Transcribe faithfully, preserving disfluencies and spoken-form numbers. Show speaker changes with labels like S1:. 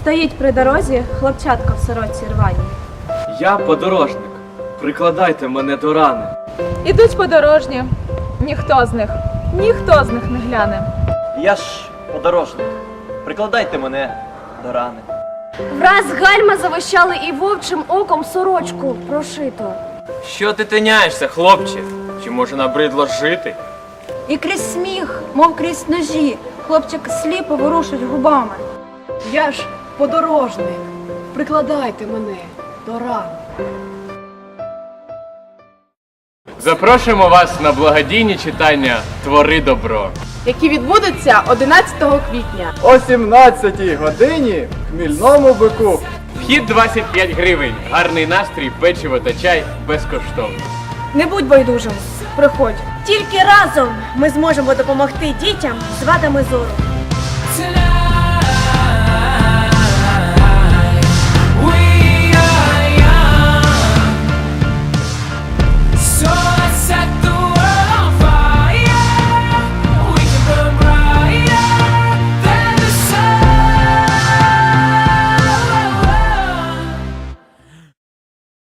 S1: Стоїть при дорозі хлопчатка в сорочці рваній.
S2: Я подорожник, прикладайте мене до рани.
S3: Ідуть подорожні, ніхто з них, ніхто з них не гляне.
S4: Я ж подорожник, прикладайте мене до рани.
S5: Враз гальма завищали і вовчим оком сорочку прошито.
S2: Що ти тиняєшся, хлопче? Чи може набридло жити?
S6: І крізь сміх, мов крізь ножі, хлопчик сліпо ворушить губами.
S7: Я ж подорожник, прикладайте мене до ран.
S2: Запрошуємо вас на благодійні читання «Твори добро».
S7: Які відбудуться одинадцятого квітня.
S8: О сімнадцятій годині в Хмільному бику.
S2: Вхід двадцять п'ять гривень, гарний настрій, печиво та чай безкоштовно.
S6: Не будь байдужим, приходь.
S5: Тільки разом ми зможемо допомогти дітям з вадами зору.
S9: Tonight